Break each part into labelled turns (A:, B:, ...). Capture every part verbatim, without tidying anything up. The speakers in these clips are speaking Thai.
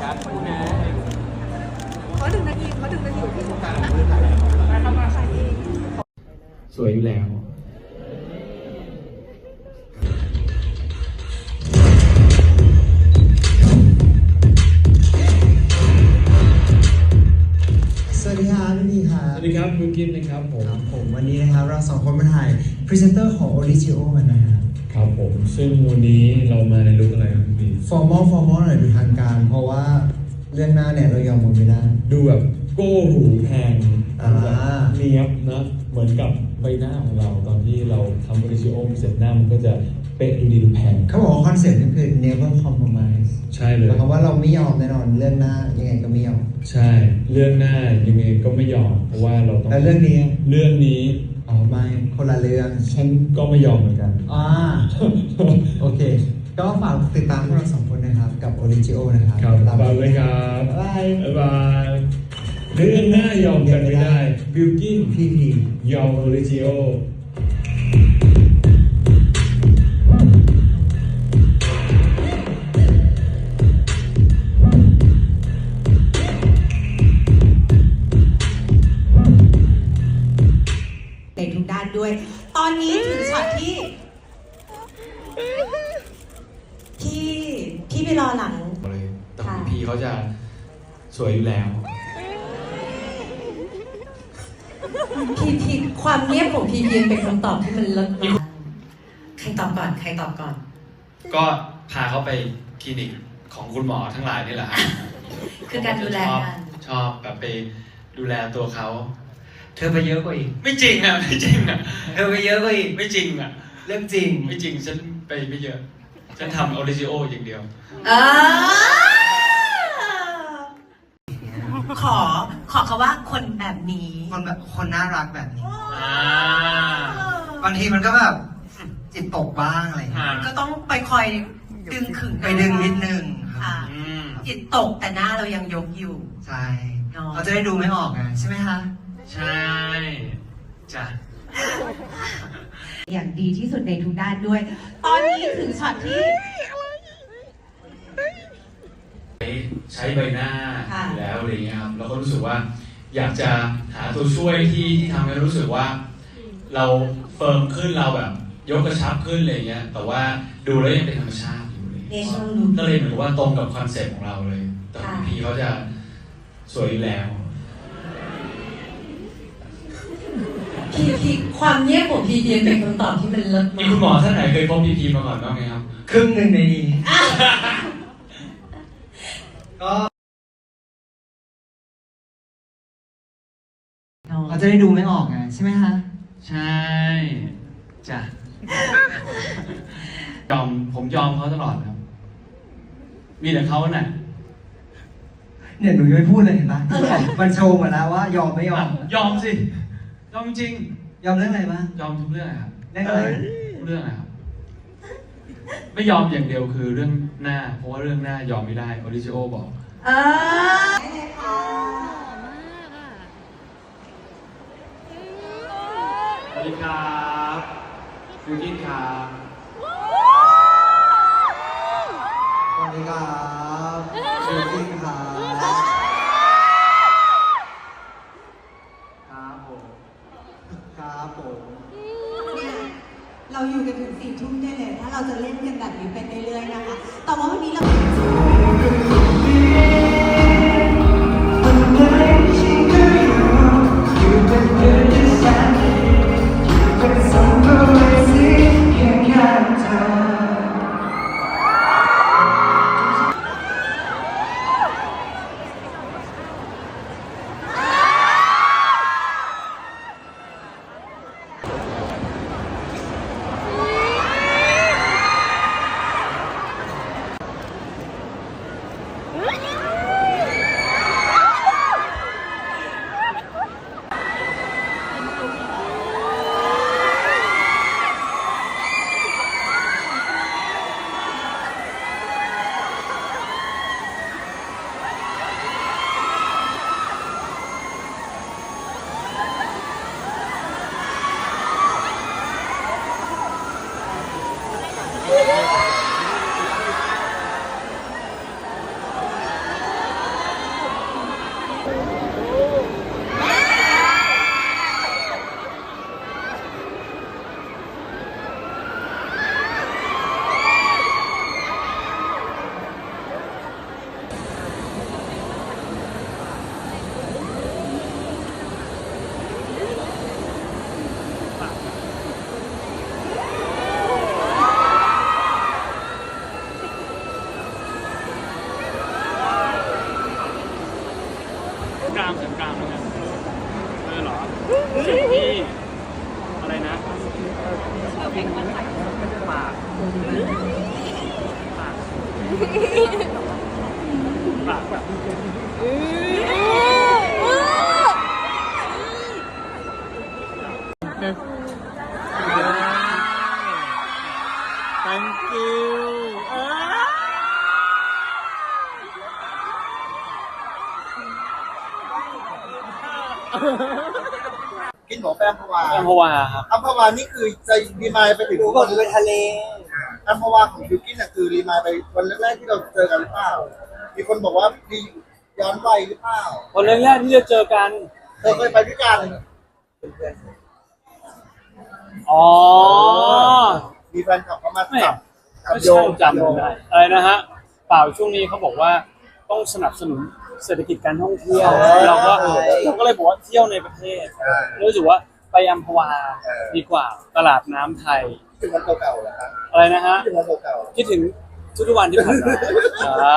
A: ครับคุณนะ
B: ขอหนึ่งนาทีขอหนึ่งนาทีที่สุดนะไปทำมาใส่เอง
A: สวยอยู่แล้ว
C: สวัสดีครับพี่พีครับ
A: สวัสดีครับคุณกินนะครับผม
C: ครับผมวันนี้นะครับเราสองคนมาถ่ายพรีเซนเตอร์ของ Origio กันนะครับ
A: ครับผมซึ่งวันนี้เรามาในลุคอะไรครับพี่
C: formal formal หน่อยดูทางการเพราะว่าเรื่องหน้าเนี่ยเรายอมมันไม่ได้
A: ดูแบบโก้หูแพง
C: อ่า
A: เนียบนะเหมือนกับใบหน้าของเราตอนที่เราทำ Origio เสร็จหน้ามันก็จะเป๊ะดูดีดูแพง
C: เขาบอกว่าคอนเซ็ปต์นี่คือ never compromise
A: ใช่เลย
C: หมายความว่าเราไม่ยอมแน่นอนเรื่องหน้ายังไงก็ไม่ยอม
A: ใช่เรื่องหน้ายังไงก็ไม่ยอมเพราะว่าเราต้อง
C: แต่เรื่องนี้
A: เรื่องนี้
C: อ๋อไม่คนละเรื่อง
A: ฉันก็ไม่ยอมเหมือนกัน
C: อ่าโอเคก็ฝากติดตามพวกเราสองคนนะครับกับ Origio นะครับ
A: ครับฝากเลยครับ
C: บ๊ายบาย
A: บ๊ายบายเรื่องหน้ายอมกันไม่ได้บิลกิ้น
C: พีพี
A: ยอม Origio
B: ในทุกด้านด้วย ตอนนี้ถึงช็อตที่ที่ที่ไปรอหลัง
A: เลยแต่พีเขาจะสวยอยู่แล้ว
B: พีพีความเงียบของพีพีเป็นคำตอบที่มันเลิศมากใครตอบก่อนใครตอบก่อน
D: ก็พาเขาไปคลินิกของคุณหมอทั้งหลายนี่แหละครับ
B: คือการดูแลกัน
D: ชอบแบบไปดูแลตัวเขา
C: เธอไปเยอะกว่าอีก
D: ไม่จริงอ่ะไม่จริงอ่ะ
C: เธอไปเยอะกว่าอีก
D: ไม่จริงอ่ะ
C: เรื่องจริง
D: ไม่จริงฉันไปไม่เยอะฉันทำออริจิโออย่างเดียว
B: ขอขอเขาว่าคนแบบนี้
C: คนแบบคนน่ารักแบบนี้บางทีมันก็แบบจิตตกบ้างอะไรอย่างเงี้ย
B: ก็ต้องไปคอยดึงขึง
C: ไปดึงนิดนึง
B: ค่ะจิตตกแต่หน้าเรายังยกอยู่
C: ใช่เราจะได้ดูไม่ออกไงใช่ไหมคะ
D: ใช่จ้ะ
B: อย่างดีที่สุดในทุกด้านด้วย ตอนนี้ถึงช็อตที่
D: ใช้ใบหน้าอยู่แล้วอะไรเงี้ยครับเราก็รู้สึกว่าอยากจะหาตัวช่วยที่ที่ทำให้รู้สึกว่าเราเฟิร์มขึ้นเราแบบยกกระชับขึ้นอะไรเงี้ยแต่ว่าดูแล้วยังเป็นธรรมชาติอยู่เลยก็เลยเหมือนว่าตรงกับคอนเซ็ปต์ของเราเลยแต่พีเขาจะสวยอยู่แล้ว
B: พีพีความเงียบของพีพีเป็นคำตอบที่มันเลิศมาก
D: มีคุณหมอท่านไหนเคยพบพีพีมาก่อนบ้างไหมครับ
C: ครึ่งหนึ่งในนี้ก็เราจะได้ดูไม่ออกไงใช่ไหมคะ
D: ใช่จ้ะยอมผมยอมเขาตลอดครับมีแต่เขาน่ะ
C: เนี่ยหนูยังไม่พูดเลยเห็นปะมันโชว์หมดแล้วว่ายอมไม่ยอม
D: ยอมสิยอมจริง
C: ยอมเรื่องอะไรบ้าง
D: ยอมทุกเรื่องครับ
C: เรื่องอะไร
D: ทุกเรื่องครับไม่ยอมอย่างเดียวคือเรื่องหน้าเพราะว่าเรื่องหน้ายอมไม่ได้ออริจิโอบอก
B: เออ
D: สวัสดีครับยูกินครับ
C: สวัสดีครับยูกินครับครับผมครับผม
B: เนี่ยเราอยู่กันถึงสี่ทุ่มได้เลยถ้าเราจะเล่นกันแบบนี้ไปเรื่อยๆนะคะแต่ว่าวันนี้เรา
E: างเสริมกลางเหมือนกันเออเหรอสิ่งที่อะไรนะปากปากปากแบบ thank you
F: กินหมูแปมพวา
E: อัมพวาครับ
F: อัมพวานี่คือจะรีมายไปถึงวันไปทะเลอัมพวาของบิวกิ้นน่ะคือรีมายไปวันแรกๆที่เราเจอกันหรือเปล่ามีคนบอกว่ามีย้อนวัยหรือเปล่า
E: วันแรกๆที่จะเจอกัน
F: เธอเคยไปด้วยกัน
E: อ๋อ
F: มีแฟนคลับเข้ามา
E: ไม่
F: จับจับ
E: ไม่
F: โย
E: ใช่
F: ง
E: จำไม่ได้อะไรนะฮะเปล่าช่วงนี้เขาบอกว่าต้องสนับสนุนเศรษฐกิจการท่องเที่ยวเราก็เราก็เลยบอกว่าเที่ยวในประเทศรู้สึกว่าไปอัมพวาดีกว่าตลาดน้ำไทย
F: ถึงวันเก่าๆแล้วครับ
E: อะไรนะฮะ
F: ถึงวันเก่า
E: คิดถึงทุกๆวันที่ผ่านมาอ่า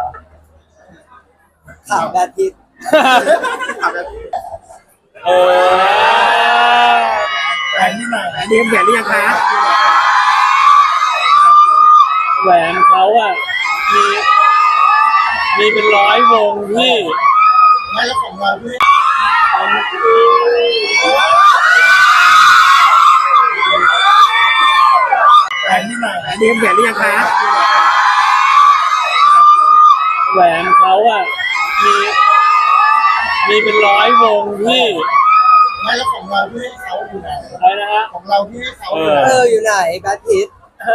F: ๆข่าวแบบพิษข่าวแบบพิษ
E: เออ
F: แฟนที่ไหนเรียนแหวนหรือยังคะ
E: แหวนเขาอ่ะมีมีเป็นร้อยวงที่
F: ไม่แล้วของเราด้วยแฟนที่ไหนเรียนแหวนหรือยังคะ
E: แหวนเขาอ่ะมีมีเป็นร้อยวงที่
F: ไม่แล้วของเราที่ให้เขาอยู่ไหน
E: อะไรนะฮะ
F: ของเราที่ให้เขา
E: เอ
F: อยู่
E: อ
F: ไหน
G: เอออยู่ไหนแบทพิท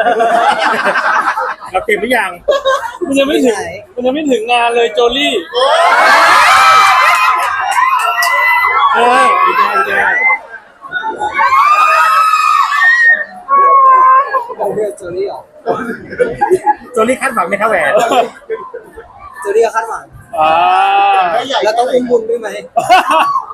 F: เราเก็บหรือยัง
E: มันยังไม่ถึงมันยังไม่ถึงงานเลยโจลี่
F: เออดีใจดีใจ
G: เราเรียกโจลี่เหรอ
F: โจลี่คาดหวังไหมครับแหวน
G: โจลี่ก็คาดหวัง
E: อ่า
F: ไม่ใหญ่
G: แล้วต้องอุ้มบุญด้วยไหม